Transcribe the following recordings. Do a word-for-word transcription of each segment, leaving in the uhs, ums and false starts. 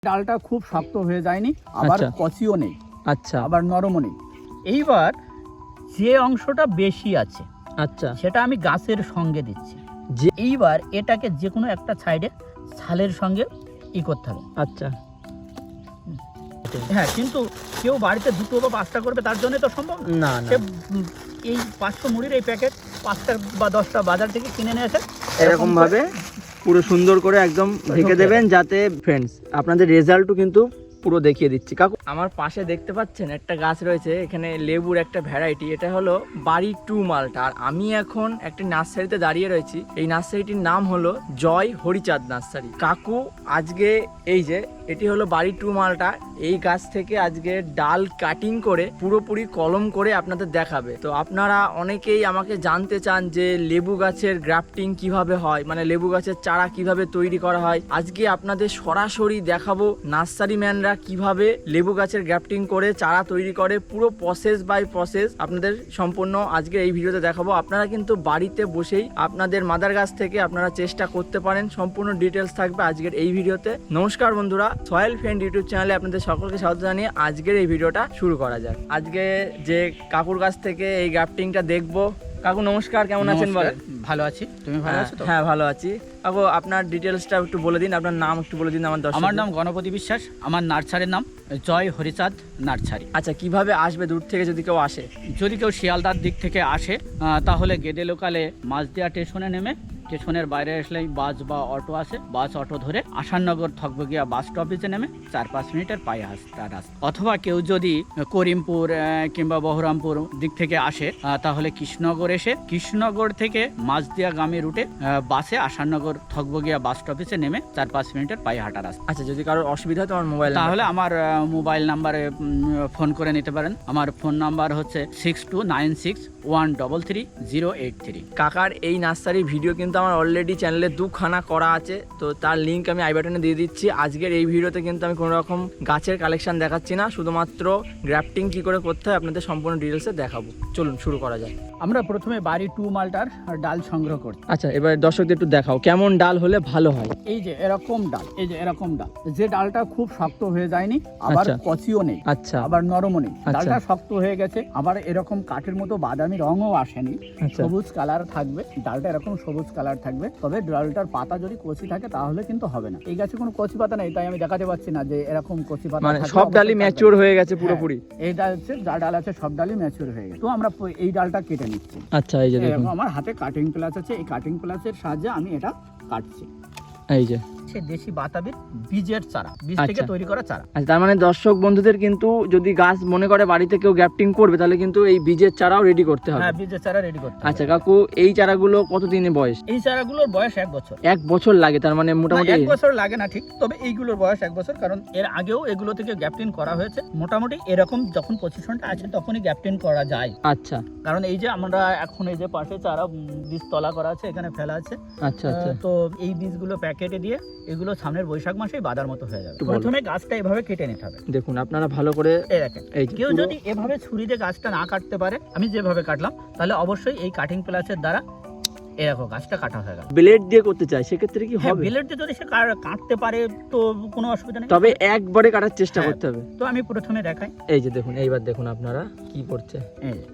ডালটা খুব শক্ত হয়ে যায়নি, আবার আচ্ছা। কচিও নেই, আচ্ছা আবার নরমও নেই। এইবার যে অংশটা বেশি আছে আচ্ছা সেটা আমি গাছের সঙ্গে দিচ্ছি। যে এইবার এটাকে যে কোনো একটা সাইডে ছালের সঙ্গে ই করতে হবে। আচ্ছা হ্যাঁ, কিন্তু কেউ বাড়িতে দুটো বা পাঁচটা করবে তার জন্য তো সম্ভব না। না না সে উম, এই পাঁচশো মুড়ির এই প্যাকেট পাঁচটা বা দশটা বাজার থেকে কিনে নিয়ে এসে এরকম ভাবে পুরো সুন্দর করে একদম ঢেকে দেবেন, যাতে ফ্রেন্ডস আপনাদের রেজাল্টও কিন্তু পুরো দেখিয়ে দিচ্ছি। কাকু আমার পাশে দেখতে পাচ্ছেন একটা গাছ রয়েছে, এখানে লেবুর একটা ভ্যারাইটি, এটা হলো বাড়ি টু মালটা। আর আমি এখন একটা নার্সারিতে দাঁড়িয়ে রয়েছি, এই নার্সারিটির নাম হলো জয় হরিচাঁদ নার্সারি। কাকু আজকে এই যে এটি হলো বাড়ি টু মালটা, এই গাছ থেকে আজকে ডাল কাটিং করে পুরোপুরি কলম করে আপনাদের দেখাবে। তো আপনারা অনেকেই আমাকে জানতে চান যে লেবু গাছের গ্রাফটিং কিভাবে হয়, মানে লেবু গাছের চারা কিভাবে তৈরি করা হয়। আজকে আপনাদের সরাসরি দেখাবো নার্সারি ম্যানরা কিভাবে লেবু গাছের গ্রাফটিং করে চারা তৈরি করে, পুরো প্রসেস বাই প্রসেস আপনাদের সম্পূর্ণ আজকে এই ভিডিওতে দেখাবো। আপনারা কিন্তু বাড়িতে বসেই আপনাদের মাদার গাছ থেকে আপনারা চেষ্টা করতে পারেন, সম্পূর্ণ ডিটেলস থাকবে আজকের এই ভিডিওতে। নমস্কার বন্ধুরা, সয়েল ফ্রেন্ড ইউটিউব চ্যানেলে আপনাদের সকলকে স্বাগত জানিয়ে আজকের এই ভিডিওটা শুরু করা যাক। আজকে যে কাকুর কাছ থেকে এই গ্রাফটিংটা দেখবো। কাকু নমস্কার, কেমন আছেন বলেন? ভালো আছি, তুমি ভালো আছো তো? হ্যাঁ ভালো আছি। কাকু আপনার ডিটেলসটা একটু বলে দিন, আপনার নাম একটু বলে দিন আমার দর্শক। আমার নাম গণপতি বিশ্বাস, আমার নার্সারির নাম জয় হরিচাঁদ নার্সারি। আচ্ছা, কিভাবে আসবে দূর থেকে যদি কেউ আসে? যদি কেউ শিয়ালদার দিক থেকে আসে আহ, তাহলে গেদে লোকালে মাঝদিয়া স্টেশনে নেমে, স্টেশনের বাইরে আসলেই বাস বা অটো আসে, বাস অটো ধরে আসাননগর থকবগিয়া বাস স্টপেজে নেমে চার পাঁচ মিনিটের পায়ে আসতে রাস্তা। অথবা কেউ যদি করিমপুর আহ, কিংবা বহরমপুর দিক থেকে আসে আহ, তাহলে কৃষ্ণনগর এসে কৃষ্ণনগর থেকে মাঝদিয়াগামী রুটে আহ, বাসে আসাননগর থকবগিয়া বাস স্টপেজে নেমে চার পাঁচ মিনিটের পায়ে হাঁটা রাস্তা। আচ্ছা, যদি কারোর অসুবিধা হয় তোমার মোবাইল তাহলে আমার আহ, মোবাইল নাম্বারে উম, ফোন করে নিতে পারেন। আমার ফোন নাম্বার হচ্ছে six two nine six one double three zero eight three. কাকার এই নার্সারির ভিডিও কিন্তু আমার অলরেডি চ্যানেলে দুখানা করা আছে, তো তার লিঙ্ক আমি আই বাটনে দিয়ে দিচ্ছি। আজকের এই ভিডিওতে কিন্তু আমি কোনো রকম গাছের কালেকশন দেখাচ্ছি না, শুধুমাত্র গ্রাফটিং কি করে করতে হয় আপনাদের সম্পূর্ণ ডিটেলসে দেখাবো। চলুন শুরু করা যায়। আমরা প্রথমে বাড়ি টু মালটার ডাল সংগ্রহ করি। আচ্ছা, এবার দর্শকদের একটু দেখাও কেমন ডাল হলে ভালো হয়। এই যে এরকম ডাল, এই যে এরকম ডাল, যে ডালটা খুব শক্ত হয়ে যায়নি, আবার আচ্ছা। কচিও নেই, আচ্ছা আবার নরমও নেই, আচ্ছা। ডালটা শক্ত হয়ে গেছে, আবার এরকম কাঠের মতো বাদামি রঙও আসেনি, আচ্ছা সবুজ কালার থাকবে ডালটা, এরকম সবুজ কালার থাকবে। তবে ডালটার পাতা যদি কচি থাকে তাহলে কিন্তু হবে না। এই গাছে কোনো কচি পাতা নেই, তাই আমি দেখাতে পাচ্ছি না যে এরকম কচি পাতা মানে থাকলে সব ডালই অবশ্যই ম্যাচিওর থাকবে। হয়ে গেছে হ্যাঁ, পুরোপুরি। এই ডাল হচ্ছে যা ডাল আছে সব ডালই ম্যাচিওর হয়ে গেছে। তো আমরা প- এই ডালটা কেটে নিচ্ছি। আচ্ছা, এই যে দেখুন, এরকম আমার হাতে কাটিং প্লাস আছে, এই কাটিং প্লাসের সাহায্যে আমি এটা কাটছি। এই যে সে দেশি বাতাবির বীজের চারা, বীজ থেকে আচ্ছা। তৈরি করা চারা। আচ্ছা, তার মানে দর্শক বন্ধুদের কিন্তু যদি গাছ মনে করে বাড়িতে কেউ গ্রাফটিং করবে তাহলে কিন্তু এই বীজের চারাও রেডি করতে হবে। হ্যাঁ, বীজের চারা রেডি করতে হবে। আচ্ছা কাকু, এই চারাগুলো কতদিনের বয়স? এই চারাগুলোর বয়স এক বছর। এক বছর লাগে, তার মানে না, মোটামুটি এক বছর লাগে না ঠিক, তবে এইগুলোর বয়স এক বছর, কারণ এর আগেও এগুলো থেকে গ্যাপটিন করা হয়েছে। মোটামুটি এরকম যখন পজিশনটা আছে তখনই গ্যাপটিন করা যায়। আচ্ছা কারণ এই যে আমরা এখন এই যে পাশে চারা উম, বীজ তলা করা আছে, এখানে ফেলা আছে। আচ্ছা আচ্ছা আহ, তো এই বীজগুলো প্যাকেটে দিয়ে এগুলো সামনের বৈশাখ মাসেই বাদার মতো হয়ে যাবে। একটু বলো। প্রথমে গাছটা এভাবে কেটে নিতে হবে। দেখুন আপনারা ভালো করে এই দেখেন, এই যে কেউ পুরো- যদি এভাবে ছুরিতে গাছটা না কাটতে পারে, আমি যেভাবে কাটলাম, তাহলে অবশ্যই এই কাটিং প্লাসের দ্বারা এরকম গাছটা কাটা হয়ে গেল। ব্লেড দিয়ে করতে চাই সেক্ষেত্রে কি হ্যাঁ, হবে? ব্লেড দিয়ে যদি সে কা- কাটতে পারে তো কোনো অসুবিধা নেই। তবে একবারে কাটার চেষ্টা হ্যাঁ। করতে হবে। তো আমি প্রথমে দেখাই। এই যে দেখুন, এইবার দেখুন আপনারা কি করছে। এই যে,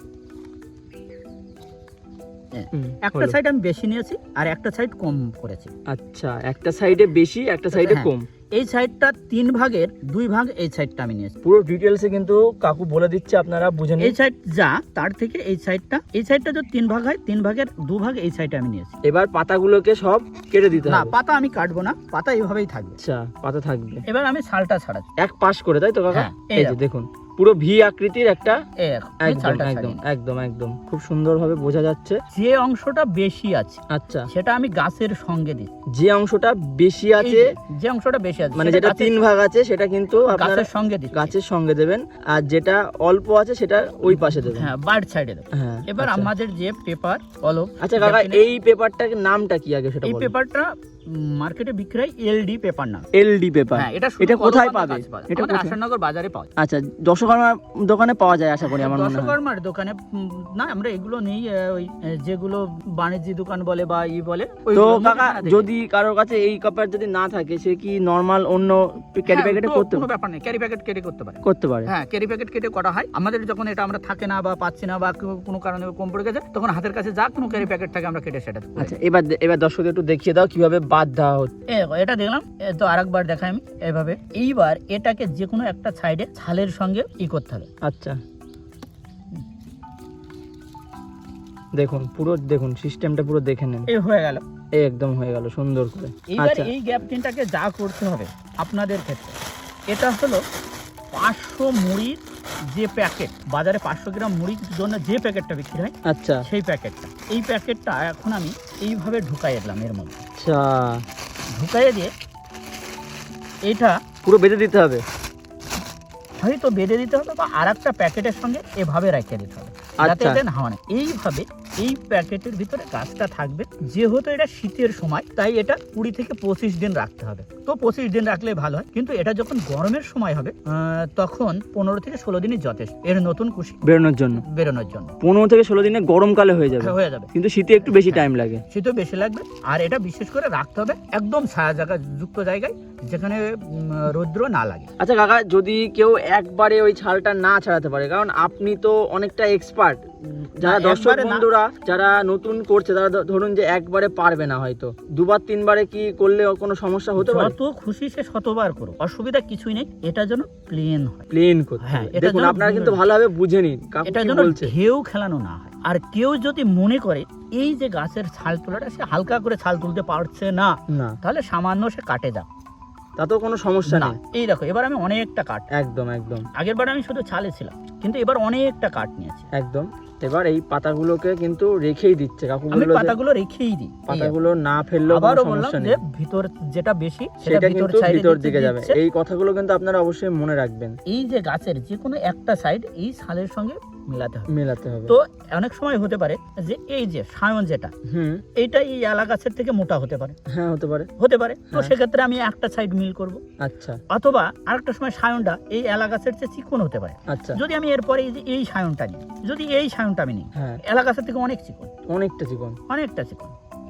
হুম, একটা হলো। সাইড আমি বেশি নিয়েছি আর একটা সাইড কম করেছি। আচ্ছা, একটা সাইডে বেশি একটা সাইডে হ্যাঁ। কম। এই সাইডটা তিন ভাগের দুই ভাগ এই সাইডটা আমি নিয়েছি। পুরো ডিটেলসে কিন্তু কাকু বলে দিচ্ছে, আপনারা বুঝে নিন। এই সাইড যা, তার থেকে এই সাইডটা, এই সাইডটা যদি তিন ভাগ হয়, তিন ভাগের দু ভাগ এই সাইডে আমি নিয়েছি। এবার পাতাগুলোকে সব কেটে দিতে না, হবে। পাতা আমি কাটবো না, পাতা এইভাবেই থাকবে। আচ্ছা, পাতা থাকবে এবার আমি ছালটা ছাড়াচ্ছি। এক পাশ করে, তাই তো কাকা? হ্যাঁ, এই এই যে দেখো। দেখুন পুরো ভি আকৃতির একটা, এই দেখো, আমি একদম ছালটা একদম ছাড়িয়ে নিই। একদম একদম খুব সুন্দরভাবে বোঝা যাচ্ছে। যে অংশটা বেশি আছে আচ্ছা, সেটা আমি গাছের সঙ্গে দিই। যে অংশটা বেশি এই আছে, যে- যে অংশটা বেশি আছে মানে সেটা যেটা গাছের- তিন ভাগ আছে সেটা কিন্তু আপনারা গাছের সঙ্গে দিই। গাছের সঙ্গে দেবেন, আর যেটা অল্প আছে সেটা ওই পাশে দেবেন। হ্যাঁ, বার্ড সাইডে দেবো। হ্যাঁ, এবার আচ্ছা। আমাদের যে পেপার কলম, আচ্ছা কাকা, এই পেপারটার নামটা কি আগে সেটা এই বলুন। পেপারটা মার্কেটে বিক্রি হয় এলডি পেপার না। এলডি পেপার, হ্যাঁ, এটা এটা কোথায় কলকাতার পাবে? কাছে পাওয়া যায়। এটা আমাদের কোথায়? আসাননগর বাজারে পাওয়া যায়। আচ্ছা, দশকর্মার দোকানে পাওয়া যায় আশা করি আমার মনে হয়। দশকর্মার দোকানে উম, না, আমরা এগুলো নেই, আহ, ওই আহ, যেগুলো বাণিজ্যিক দোকান বলে বা ই বলে তো ওইগুলোর মধ্যে কাকা কেনা দেখি। যদি কারোর কাছে এই কাপড় যদি না থাকে, সে কি নরমাল অন্য ক্যারি হ্যাঁ, প্যাকেটে তো করতে কোনো ব্যাপার নেই, ক্যারি প্যাকেট কেটে করতে পারে। করতে পারে? হ্যাঁ, ক্যারি প্যাকেট কেটে করা হয়। আমাদের যখন এটা আমরা থাকে না বা পাচ্ছি না বা কো- কোনো কারণে কম পড়ে গেছে, তখন হাতের কাছে যা কোনো ক্যারি প্যাকেট থাকে আমরা কেটে সেটা করে আচ্ছা, এবার এবার দর্শকদের একটু দেখিয়ে দাও কিভাবে বাদ দেওয়া হচ্ছে। এই দেখো, এটা দেখলাম, এ তো আরেকবার দেখাই আমি এইভাবে। এইবার এটাকে যে কোনো একটা সাইডে ছালের সঙ্গে ই করতে হবে। আচ্ছা, দেখুন পুরো দেখুন সিস্টেমটা পুরো দেখে নেন। এই হয়ে গেল, এই একদম হয়ে গেল সুন্দর করে। এইবার আচ্ছা, এই গ্যাপ টিনটাকে যা করতে হবে আপনাদের ক্ষেত্রে, এটা হলো পাঁচশো মুড়ির যে প্যাকেট, বাজারে পাঁচশো গ্রাম মুড়ির জন্য যে প্যাকেটটা বিক্রি হয় আচ্ছা, সেই প্যাকেটটা, এই প্যাকেটটা এখন আমি এইভাবে ঢুকাই দিলাম এর মধ্যে। আচ্ছা, ঢুকাইয়ে দিয়ে এটা পুরো বেঁধে দিতে হবে। হয়তো বেঁধে দিতে হবে বা আর একটা প্যাকেটের সঙ্গে এভাবে রেখে দিতে হবে, যাতে আচ্ছা। এটা না হয়। এইভাবে এই প্যাকেটের ভিতরে গাছটা থাকবে। যেহেতু এটা শীতের সময়, তাই এটা কুড়ি থেকে পঁচিশ দিন রাখতে হবে। তো পঁচিশ দিন রাখলে ভালো হয়, কিন্তু এটা যখন গরমের সময় হবে আহ, তখন পনেরো থেকে ষোলো দিনই যথেষ্ট এর নতুন কুশি বেরোনোর জন্য। বেরোনোর জন্য পনেরো থেকে ষোলো দিনে গরমকালে হয়ে যাবে, হয়ে যাবে। কিন্তু শীতে একটু বেশি টাইম লাগে। শীতও বেশি লাগবে। আর এটা বিশেষ করে রাখতে হবে একদম ছায়া জায়গা যুক্ত জায়গায়, যেখানে উম, রৌদ্র না লাগে। আচ্ছা কাকা, যদি কেউ একবারে ওই ছালটা না ছাড়াতে পারে, কারণ আপনি তো অনেকটা এক্সপার্ট, যারা না, দর্শক একবারে না। বন্ধুরা যারা নতুন করছে তারা ধ- ধরুন যে একবারে পারবে না, হয়তো দুবার তিনবারে কি করলে কোনো সমস্যা হতে পারে? যত খুশি সে শতবার করো, অসুবিধা কিছুই নেই। এটা যেন প্লেন হয়, প্লেন করতে হ্যাঁ, হবে। এটা দেখুন যেন আপনারা কিন্তু ভালোভাবে বুঝে নিন কাকু এটা কি যেন বলছে। ঢেউ খেলানো না হয়। আর কেউ যদি মনে করে এই যে গাছের ছাল তোলাটা সে হালকা করে ছাল তুলতে পারছে না, না, তাহলে সামান্য সে কাটে যাক, তাতেও কোনো সমস্যা না। নেই। এই দেখো, এবার আমি অনেকটা কাট, একদম একদম আগের বার আমি শুধু ছালে ছিলাম, কিন্তু এবার অনেকটা কাট নিয়েছি। একদম। এবার এই পাতাগুলোকে কিন্তু রেখেই দিচ্ছে কাকু, আমি বললো যে পাতাগুলো রেখেই দিই। এই পাতাগুলো না ফেললেও কোনো আবারও বললাম সমস্যা যে নেই, ভিতর যেটা বেশি সেটা সেটা ভিতর কিন্তু সাইডে ভিতর দিকে যাবে। দিচ্ছে। এই কথাগুলো কিন্তু আপনারা অবশ্যই মনে রাখবেন, এই যে গাছের যে কোনো একটা সাইড এই ছালের সঙ্গে মেলাতে হবে। মেলাতে হবে। তো অনেক সময় হতে পারে যে এই যে সায়ন যেটা, হুম, এইটা এই এলা গাছের থেকে মোটা হতে পারে, হ্যাঁ হতে পারে। হতে পারে তো হ্যাঁ। সেক্ষেত্রে আমি একটা সাইড মিল করব। আচ্ছা অথবা আরেকটা সময় সায়নটা এই এলা গাছের চেয়ে চিকন হতে পারে। আচ্ছা, যদি আমি এরপরে এই যে এই সায়নটা নিই, যদি এই সায়নটা আমি নিই, হ্যাঁ এলা গাছের থেকে অনেক চিকন, অনেকটা চিকন। অনেকটা চিকন।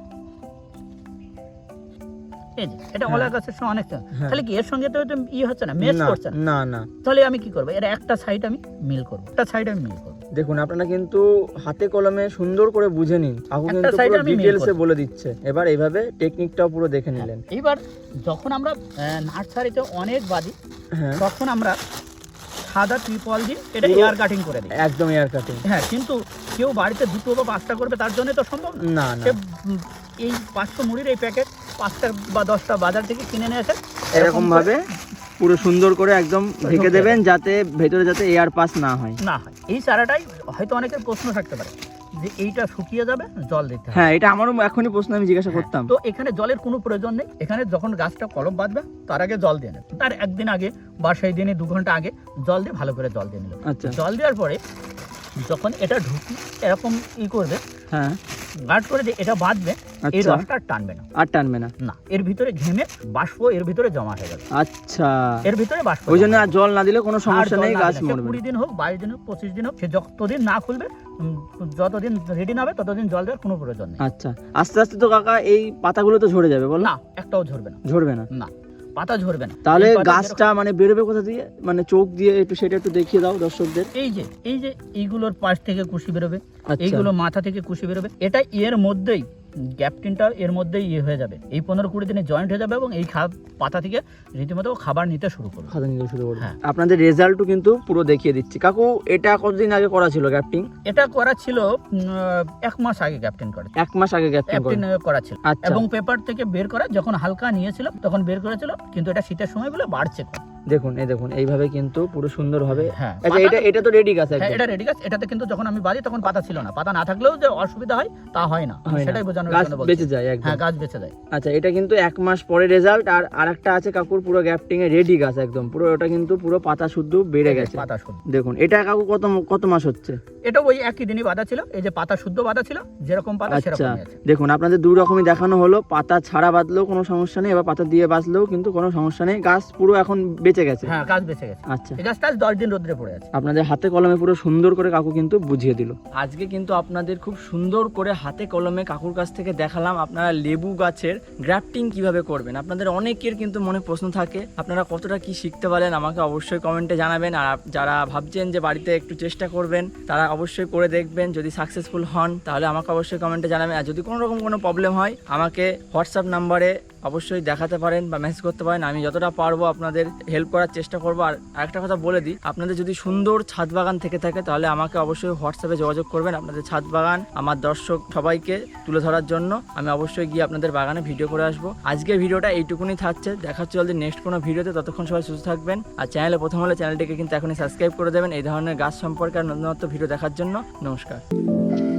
এই যে এটা হ্যাঁ। এলা গাছের সঙ্গে অনেকটা, হ্যাঁ। তাহলে কি এর সঙ্গে তো এটা ই হচ্ছে না, মেচ না, করছে না। না না তাহলে আমি কি করবো, এর একটা সাইড আমি মিল করবো, একটা সাইড আমি মিল করবো। দেখুন আপনারা কিন্তু হাতে কলমে সুন্দর করে বুঝে নিন, কাকু একটা কিন্তু side পুরো আমি মিল ডিটেলসে করব। বলে দিচ্ছে। এবার এইভাবে টেকনিকটাও পুরো দেখে নিলেন। এইবার যখন আমরা আহ, নার্সারিতে অনেক বাজি, হ্যাঁ তখন আমরা সাদা ত্রিপল দিই, এটা পুরো- এয়ার কাটিং করে দিই। একদম এয়ার কাটিং। হ্যাঁ, কিন্তু কেউ বাড়িতে দুটো বা পাঁচটা করবে, তার জন্য তো সম্ভব না। না না সে উম, এই পাঁচশো মুড়ির এই প্যাকেট পাঁচটা বা দশটা বাজার থেকে কিনে নিয়ে এসে এরকম ভাবে পুরো সুন্দর করে একদম ঢেকে ঢুকে দেবেন, যাতে ভেতরে যাতে এয়ার পাস না হয়। না হয়। এই চারাটাই হয়তো অনেকের প্রশ্ন থাকতে পারে যে এইটা শুকিয়ে যাবে, জল দিতে হবে। হ্যাঁ, এটা আমারও এখনই প্রশ্ন আমি জিজ্ঞাসা করতাম। তো এখানে জলের কোনো প্রয়োজন নেই। এখানে যখন গাছটা কলম বাঁধবে তার আগে জল দিয়ে নেবে, তার একদিন আগে বা সেই দিনে দু ঘন্টা আগে জল দিয়ে ভালো করে জল দিয়ে নিল। আচ্ছা জল দেওয়ার পরে যখন এটা ঢুকি এরকম ই করবে, হ্যাঁ গার্ড করে যে এটা বাঁধবে, এই আচ্ছা, রসটা আর টানবে না। আর টানবে না। না, এর ভিতরে ঘেমে বাষ্প এর ভিতরে জমা হয়ে যাবে। আচ্ছা, এর ভিতরে বাষ্প ওই জন্য জমা আর জল না দিলে কোনো হবে। আর সমস্যা জল নেই, না গাছ দিলে, সে মরবে কুড়ি না। দিন হোক, বাইশ দিন হোক, পঁচিশ দিন হোক, সে যতদিন না খুলবে, উম, যতদিন রেডি না হবে ততদিন জল দেওয়ার কোনো প্রয়োজন নেই। আচ্ছা, আস্তে আস্তে তো কাকা এই পাতাগুলো তো ঝরে যাবে, বলো? না, একটাও ঝরবে না। ঝরবে না? না, পাতা ঝরবে না। তাহলে এই পাতা গাছটা মানে বেরোবে কোথা দিয়ে, মানে চোখ দিয়ে একটু সেটা একটু দেখিয়ে দাও দর্শকদের। যেরকম- এই যে এই যে এইগুলোর পাশ থেকে কুশি বেরোবে, আচ্ছা, এইগুলো মাথা থেকে কুশি বেরোবে, এটা এর মধ্যেই গ্যাপটিনটা এর মধ্যেই ইয়ে হয়ে যাবে, এই পনেরো কুড়ি দিনে জয়েন্ট হয়ে যাবে এবং এই খা- পাতা থেকে রীতিমতো খাবার নিতে শুরু করবে। খাতা নিতে শুরু করবে। হ্যাঁ। আপনাদের রেজাল্টও কিন্তু পুরো দেখিয়ে দিচ্ছি। কাকু এটা কতদিন আগে করা ছিল গ্যাপটিং? এটা করা ছিল উম, এক মাস আগে গ্যাপটিন করা এক মাস আগে গ্যাপটিং করা। ক্যাপ্টেন করা ছিল, আচ্ছা, এবং পেপার থেকে বের করা যখন হালকা নিয়েছিল তখন বের করেছিল, কিন্তু এটা শীতের সময় বলে বাড়ছে কম। দেখুন এই দেখুন এইভাবে কিন্তু পুরো সুন্দর হবে। হ্যাঁ, আচ্ছা এটা এটা তো রেডি গাছ হ্যাঁ একদম। এটা রেডি গাছ। এটাতে কিন্তু যখন আমি বাঁধি তখন পাতা ছিল না, পাতা না থাকলেও যে অসুবিধা হয় তা হয় না, আমি হয় না। সেটাই বোঝানোর গাছ জন্য বলছি। বেঁচে যায় একদম। হ্যাঁ গাছ বেঁচে যায়। আচ্ছা এটা কিন্তু এক মাস পরে রেজাল্ট, আর আরেকটা আছে কাকুর পুরো গ্যাপটিং এ রেডি গাছ একদম পুরো, ওটা কিন্তু পুরো পাতা শুদ্ধ বেড়ে গেছে। পাতা শুদ্ধ দেখুন এটা কাকু কত কত মাস হচ্ছে? এটা ওই একই দিনই বাঁধা ছিল, এই যে পাতা শুদ্ধ বাঁধা ছিল, যেরকম পাতা আচ্ছা সেরকমই আছে। দেখুন আপনাদের দুই রকমই দেখানো হলো, পাতা ছাড়া বাঁধলেও কোনো সমস্যা নেই, এবার পাতা দিয়ে বাঁধলেও কিন্তু কোনো সমস্যা নেই, গাছ পুরো এখন বেঁচে গেছে। হ্যাঁ গাছ বেঁচে গেছে। আচ্ছা এই গাছটা আজ দশ দিন রোদ্রে পড়ে আছে। আপনাদের হাতে কলমে পুরো সুন্দর করে কাকু কিন্তু বুঝিয়ে দিল। আজকে কিন্তু আপনাদের খুব সুন্দর করে হাতে কলমে কাকুর কাছ থেকে দেখালাম আপনারা লেবু গাছের গ্রাফটিং কিভাবে করবেন। আপনাদের অনেকের কিন্তু মনে প্রশ্ন থাকে, আপনারা কতটা কি শিখতে পারেন আমাকে অবশ্যই কমেন্টে জানাবেন। আর যারা ভাবছেন যে বাড়িতে একটু চেষ্টা করবেন তারা অবশ্যই করে দেখবেন, যদি সাকসেসফুল হন তাহলে আমাকে অবশ্যই কমেন্টে জানাবেন। আর যদি কোনো রকম কোনো প্রবলেম হয় আমাকে হোয়াটসঅ্যাপ নাম্বারে অবশ্যই দেখাতে পারেন বা মেসেজ করতে পারেন, আমি যতটা পারবো আপনাদের হেল্প করার চেষ্টা করবো। আর আরেকটা কথা বলে দিই, আপনাদের যদি সুন্দর ছাদ বাগান থেকে থাকে তাহলে আমাকে অবশ্যই হোয়াটসঅ্যাপে যোগাযোগ করবেন। আপনাদের ছাদ বাগান আমার দর্শক সবাইকে তুলে ধরার জন্য আমি অবশ্যই গিয়ে আপনাদের বাগানে ভিডিও করে আসবো। আজকের ভিডিওটা এইটুকুনি থাকছে, দেখা হচ্ছে জলদি নেক্সট কোনো ভিডিওতে। ততক্ষণ সবাই সুস্থ থাকবেন, আর চ্যানেলে প্রথম হলে চ্যানেলটিকে কিন্তু এখনই সাবস্ক্রাইব করে দেবেন এই ধরনের গাছ সম্পর্কে আর নতুনত্ব ভিডিও দেখার জন্য। নমস্কার।